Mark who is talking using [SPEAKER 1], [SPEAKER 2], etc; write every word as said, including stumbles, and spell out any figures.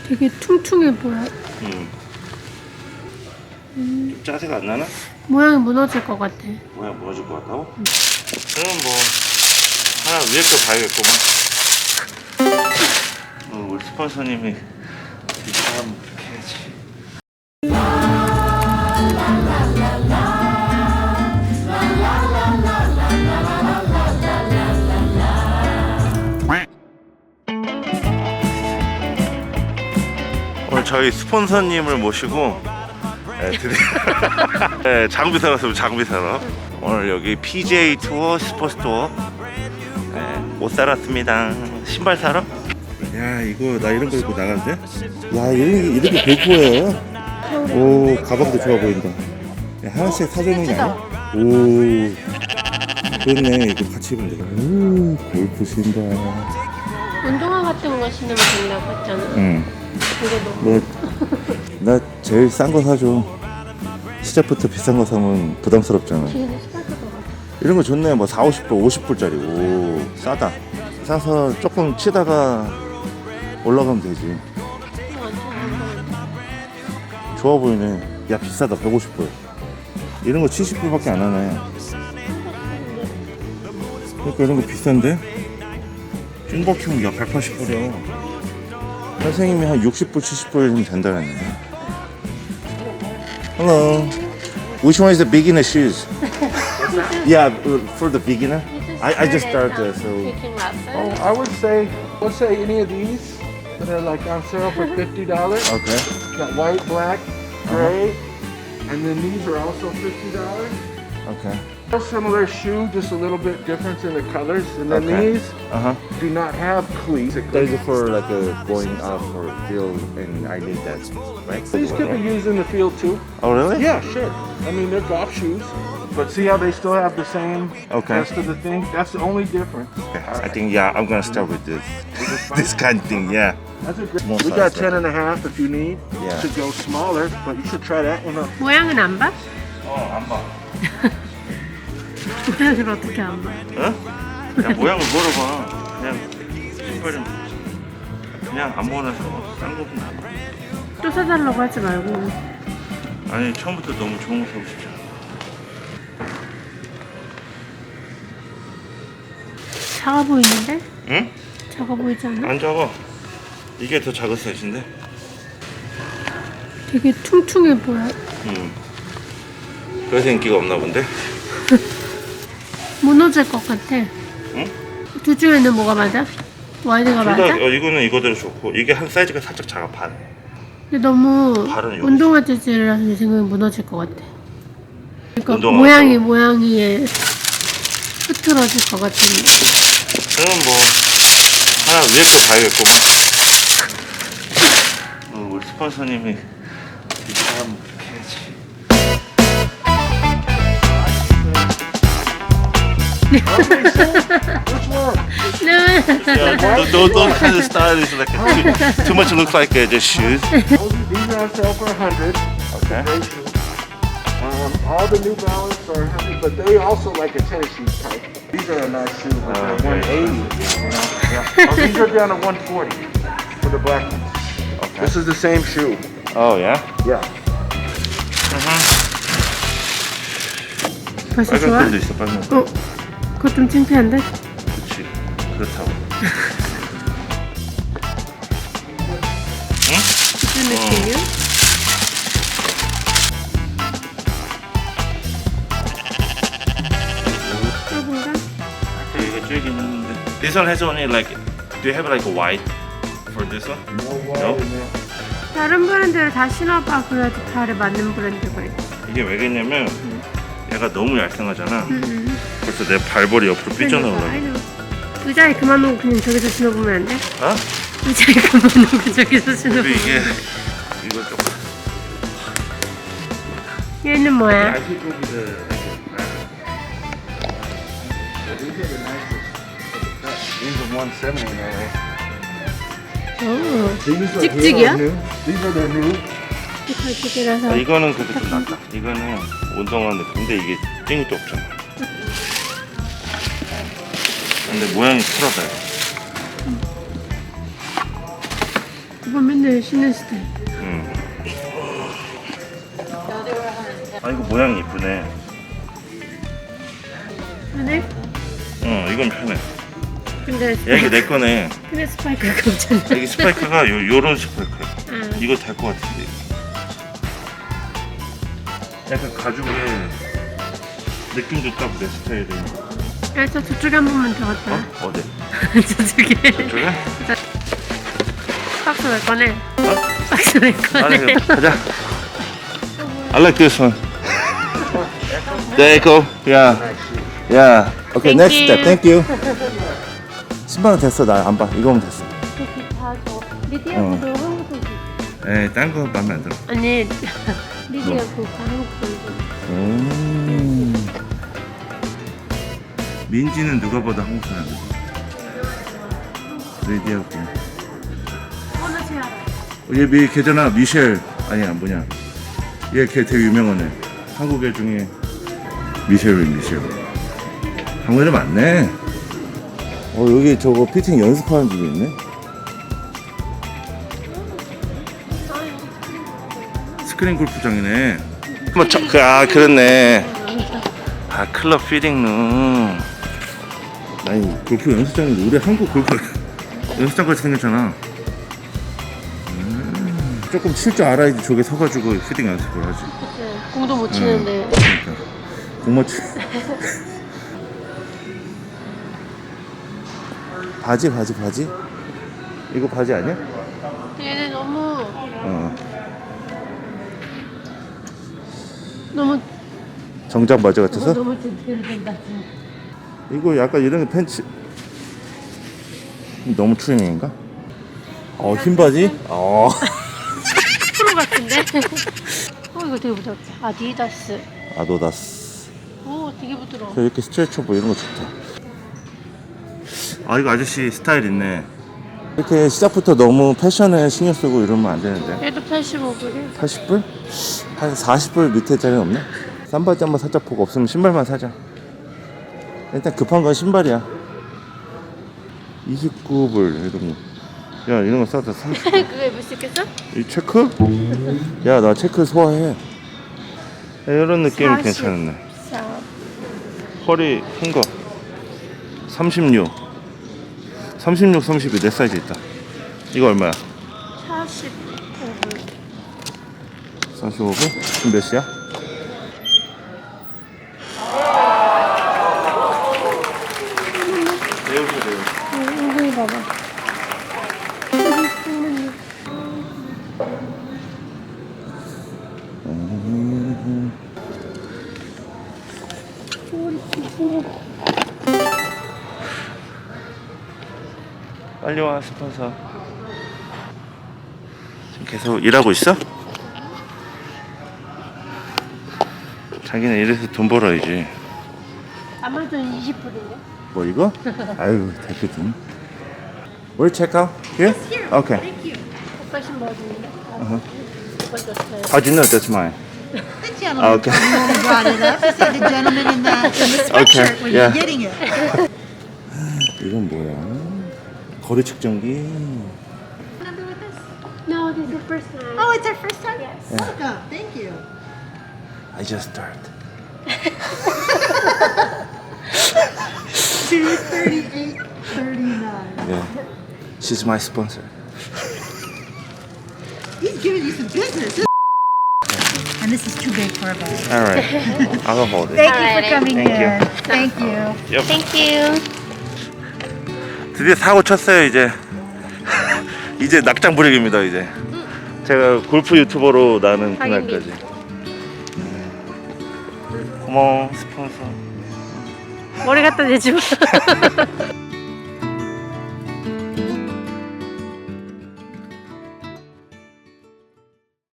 [SPEAKER 1] 되게 퉁퉁해 보여.
[SPEAKER 2] 음. 음. 좀 짜세가 안 나나?
[SPEAKER 1] 모양이 무너질 것 같아.
[SPEAKER 2] 모양 무너질 것 같다고? 음. 그럼 뭐 하나 위에 거 봐야겠구만. 어, 우리 스폰서님이 비싸면 그렇게 해야지. 오늘 저희 스폰서님을 모시고 네, 드디어 네, 장비 사러 왔습니다. 장비 사러. 오늘 여기 피지에이 투어 슈퍼스토어 네, 옷 사러 왔습니다. 신발 사러? 야 이거 나 이런 거 입고 나가는데? 야 이렇게, 이렇게 베이프예요? 오 가방도 좋아 보인다. 야, 하나씩 사주는 게 아니야? 오 그렇네. 이거 같이 입으면 되겠네. 오 골프 신발.
[SPEAKER 1] 운동화 같은 거 신으면 된다고 했잖아.
[SPEAKER 2] 응.
[SPEAKER 1] 그게 너무.
[SPEAKER 2] 뭐, 나 제일 싼 거 사줘. 시작부터 비싼 거 사면 부담스럽잖아.
[SPEAKER 1] 뒤에는 스파크도 같아.
[SPEAKER 2] 이런 거 좋네. 뭐 사, 오십 불, 오십 불짜리. 오, 싸다. 사서 조금 치다가 올라가면 되지. 좋아 보이네. 야, 비싸다. 백오십 불. 이런 거 칠십 불밖에 안 하네. 그러니까 이런 거 비싼데? 찐버킹 야, 백팔십 불이야. 선생님이 한 육십 불, 칠십 불이면 된다 그랬네. Hello. Which one is the beginner shoes? Yeah, for the beginner. I, I just started, so.
[SPEAKER 3] Oh, I would say, let's say any of these that are like on sale for fifty dollars.
[SPEAKER 2] Okay.
[SPEAKER 3] Got white, black, gray, and then these are also fifty dollars.
[SPEAKER 2] Okay.
[SPEAKER 3] A similar shoe, just a little bit difference in the colors. And then
[SPEAKER 2] Okay.
[SPEAKER 3] these
[SPEAKER 2] Uh huh.
[SPEAKER 3] do not have cleats.
[SPEAKER 2] These are for like a going out for field, and I need that, right?
[SPEAKER 3] These could be used in the field too.
[SPEAKER 2] Oh really?
[SPEAKER 3] Yeah, sure. I mean, they're golf shoes. But see how they still have the same
[SPEAKER 2] Okay.
[SPEAKER 3] rest of the thing? That's the only difference.
[SPEAKER 2] Okay. I think yeah, I'm gonna start with this. This kind of thing, yeah.
[SPEAKER 3] That's a great.
[SPEAKER 2] Small
[SPEAKER 3] We got
[SPEAKER 2] size,
[SPEAKER 3] ten and a half if you need
[SPEAKER 2] Yeah.
[SPEAKER 3] to go smaller, but you should try that one out.
[SPEAKER 1] 모양은 안 봐?
[SPEAKER 2] 어, 안 봐.
[SPEAKER 1] 모양을 어떻게 안 봐?
[SPEAKER 2] 어? 그냥 모양을 물어봐. 그냥 신발 좀 그냥 아무거나 사고 싼 거보다 안 봐.
[SPEAKER 1] 또 사달라고 하지 말고.
[SPEAKER 2] 아니 처음부터 너무 좋은 거 사고 싶잖아.
[SPEAKER 1] 작아 보이는데?
[SPEAKER 2] 응?
[SPEAKER 1] 작아 보이지 않아?
[SPEAKER 2] 안 작아. 이게 더 작은 사이즈인데?
[SPEAKER 1] 되게 퉁퉁해 보여.
[SPEAKER 2] 응. 그래서 인기가 없나 본데?
[SPEAKER 1] 무너질 것 같아.
[SPEAKER 2] 응?
[SPEAKER 1] 둘 중에는 뭐가 맞아? 와이드가
[SPEAKER 2] 둘 다,
[SPEAKER 1] 맞아?
[SPEAKER 2] 어, 이거는 이거대로 좋고 이게 한 사이즈가 살짝 작아 반.
[SPEAKER 1] 근데 너무
[SPEAKER 2] 발은 여기
[SPEAKER 1] 운동화 재질이라서 내 생각에 무너질 것 같아. 그러니까
[SPEAKER 2] 운동화
[SPEAKER 1] 모양이
[SPEAKER 2] 같다고?
[SPEAKER 1] 모양이 흐트러질 것 같은.
[SPEAKER 2] 그럼 뭐 하나 위에 거 봐야겠구만. 어, 우리 스폰서님이 비싸면 그렇게 해야지.
[SPEAKER 3] Which one?
[SPEAKER 1] 네.
[SPEAKER 2] Yeah, those, those kind of style is like a, too, too much look like uh, just shoes.
[SPEAKER 3] These are on sale for a hundred.
[SPEAKER 2] Okay.
[SPEAKER 3] Great shoes. Um, all the New Balance are a hundred, but they also like a tennis shoe type. These are a nice shoe, but
[SPEAKER 2] Oh,
[SPEAKER 3] they're
[SPEAKER 2] okay.
[SPEAKER 3] one eighty. You know? Yeah. Oh, these are down to one forty for the black ones.
[SPEAKER 2] Okay.
[SPEAKER 3] This is the same shoe.
[SPEAKER 2] Oh yeah.
[SPEAKER 3] Yeah.
[SPEAKER 1] 벌써 좋아?
[SPEAKER 2] 빨간 끈도 있어 빨간 끈.
[SPEAKER 1] 어? 그거 좀 창피한데?
[SPEAKER 2] 그렇지. 그렇다고.
[SPEAKER 1] 무슨 느낌이야? 좁은가?
[SPEAKER 2] 이거 쭉 있는데. This one has only like. Do you have like a white for this one? No.
[SPEAKER 1] 다른 브랜드를 다 신어봐. 그래야지 발에 맞는 브랜드가 있어.
[SPEAKER 2] 이게 왜겠냐면 얘가 너무 얄쌍하잖아.
[SPEAKER 1] 음.
[SPEAKER 2] 벌써 내 발볼이 옆으로 삐져나오려고.
[SPEAKER 1] 아이고. 의자에 그만 놓고 그냥 저기서 신어보면 안 돼?
[SPEAKER 2] 어?
[SPEAKER 1] 의자에 그만 놓고 저기서
[SPEAKER 2] 근데
[SPEAKER 1] 신어보면.
[SPEAKER 2] 이게 이거 조금.
[SPEAKER 1] 얘는 뭐야?
[SPEAKER 2] I think it'll be the
[SPEAKER 3] These are one seventy now.
[SPEAKER 1] 오,
[SPEAKER 3] These are
[SPEAKER 1] 찍찍이야?
[SPEAKER 3] new. These are their new.
[SPEAKER 1] 뒷팔찌개라서.
[SPEAKER 2] 아, 이거는 그래도 좀 낫다. 이거는 운동화 느낌인데 이게 찡이 또 없잖아. 근데 모양이 풀어져요.
[SPEAKER 1] 오빠 맨날 신는 스타일.
[SPEAKER 2] 응. 아 이거 모양이 이쁘네.
[SPEAKER 1] 편해?
[SPEAKER 2] 응 이건 편해.
[SPEAKER 1] 근데
[SPEAKER 2] 야 이게 내 거네.
[SPEAKER 1] 근데 스파이크가 없잖아.
[SPEAKER 2] 여기 스파이크가 요, 요런 스파이크야.
[SPEAKER 1] 아.
[SPEAKER 2] 이거 달 것 같은데. 약간 가죽에 느낌도 딱 내 스타일이.
[SPEAKER 1] 야, 저 저쪽에 한 번만 더 갔다.
[SPEAKER 2] 어? 어디?
[SPEAKER 1] 저쪽에.
[SPEAKER 2] 저쪽에?
[SPEAKER 1] 박스 왜 꺼내?
[SPEAKER 2] 어?
[SPEAKER 1] 박스 왜
[SPEAKER 2] 아니
[SPEAKER 1] 꺼내?
[SPEAKER 2] 그럼 가자. I like this one. There you go. Yeah. Yeah.
[SPEAKER 4] Okay,
[SPEAKER 1] Thank
[SPEAKER 4] next
[SPEAKER 1] you.
[SPEAKER 4] step. Thank you. 신발 은 됐어. 나 안 봐. 이거면 됐어.
[SPEAKER 1] 이렇게 다 줘. 리디아도 한국 선수.
[SPEAKER 2] 에이 딴 거 마음에 안 들어.
[SPEAKER 1] 아니 리디아 그 한국 선수.
[SPEAKER 4] 음.
[SPEAKER 2] 민지는 누가 봐도 한국 사람이야. 레디하고.
[SPEAKER 1] 어느 새 알아?
[SPEAKER 2] 얘 미, 걔잖아 미셸 아니야 뭐냐 얘 걔 되게 유명한 애 한국 애 중에 미셸 미셸 한국 애들 많네.
[SPEAKER 4] 어, 여기 저거 피팅 연습하는 집이 있네.
[SPEAKER 2] 스크린 골프장이네. 뭐, 저, 그, 아 그렇네. 아 클럽 피딩룸.
[SPEAKER 4] 아니,
[SPEAKER 2] 골프 연습장인데 우리 한국 골프 연습장 같이 생겼잖아. 음, 조금 칠 줄 알아야지 저기 서가지고 피딩 연습을 하지.
[SPEAKER 1] 네, 공도 못 치는데.
[SPEAKER 2] 그러니까 공맞
[SPEAKER 4] 바지, 바지, 바지. 이거 바지 아니야?
[SPEAKER 1] 얘네 너무
[SPEAKER 4] 어.
[SPEAKER 1] 너무
[SPEAKER 4] 정장 바지 같아서?
[SPEAKER 1] 너무 제대로 된다.
[SPEAKER 4] 이거 약간 이런 게 팬츠. 너무 트레이닝인가? 어, 흰 바지? 어.
[SPEAKER 1] 프로 같은데? 어 이거 되게 부드럽다. 아디다스.
[SPEAKER 4] 아도다스.
[SPEAKER 1] 오 되게 부드러워.
[SPEAKER 4] 이렇게 스트레쳐보 이런 거 좋다.
[SPEAKER 2] 아 이거 아저씨 스타일 있네.
[SPEAKER 4] 이렇게 시작부터 너무 패션에 신경 쓰고 이러면 안 되는데.
[SPEAKER 1] 얘도 팔십오 불이야.
[SPEAKER 4] 팔십 불? 한 사십 불 밑에짜리는 없나? 싼 바지 한번 살짝 보고 없으면 신발만 사자. 일단 급한 건 신발이야. 이십구 불 이런 거. 야 이런 거 싸다 삼십 불.
[SPEAKER 1] 그거 입을 수 있겠어?
[SPEAKER 4] 이 체크? 야 나 체크 소화해.
[SPEAKER 2] 이런 느낌
[SPEAKER 1] 사십.
[SPEAKER 2] 괜찮네.
[SPEAKER 1] 자,
[SPEAKER 2] 허리 큰 거. 삼십육. 삼십육, 삼십이 내 사이즈 있다. 이거 얼마야?
[SPEAKER 1] 사십오 불.
[SPEAKER 4] 사십오 불? 지금 몇 시야?
[SPEAKER 1] 엉덩이 봐봐.
[SPEAKER 2] 빨리 와 스폰서. 지금 계속 일하고 있어? 자기는 이래서 돈 벌어야지.
[SPEAKER 1] 아마존 이십 불인데?
[SPEAKER 4] 뭐 이거? 아유 대표팀. We'll check out here? Okay.
[SPEAKER 1] 오빠 신발 어디인데? 오빠 줬어요.
[SPEAKER 4] How'd you know that's mine?
[SPEAKER 5] The gentleman
[SPEAKER 4] Okay.
[SPEAKER 5] told me when I brought it up. He said the gentleman in the, in the sweatshirt
[SPEAKER 4] Okay,
[SPEAKER 5] was
[SPEAKER 4] yeah.
[SPEAKER 5] getting it.
[SPEAKER 4] 이건 뭐야? 거리 측정기.
[SPEAKER 5] Number with us?
[SPEAKER 1] No, this is the first time.
[SPEAKER 5] Oh, it's our first time?
[SPEAKER 1] Yes.
[SPEAKER 5] Welcome. Thank you.
[SPEAKER 4] I just start.
[SPEAKER 5] two thirty-eight thirty-nine.
[SPEAKER 4] Yeah. She's my sponsor.
[SPEAKER 5] He's giving you some business. And this is too big for a bag.
[SPEAKER 4] All right. I'll hold it.
[SPEAKER 5] Thank you
[SPEAKER 1] Alrighty.
[SPEAKER 5] for coming
[SPEAKER 4] Thank you.
[SPEAKER 5] in. Thank you.
[SPEAKER 1] Thank you.
[SPEAKER 2] 드디어 사고 쳤어요 이제. 이제 낙장 불입입니다 이제. 제가 골프 유튜버로 나는
[SPEAKER 1] 당연히.
[SPEAKER 2] 그날까지. 고마워 스폰서.
[SPEAKER 1] 머리 갖다 대지 마.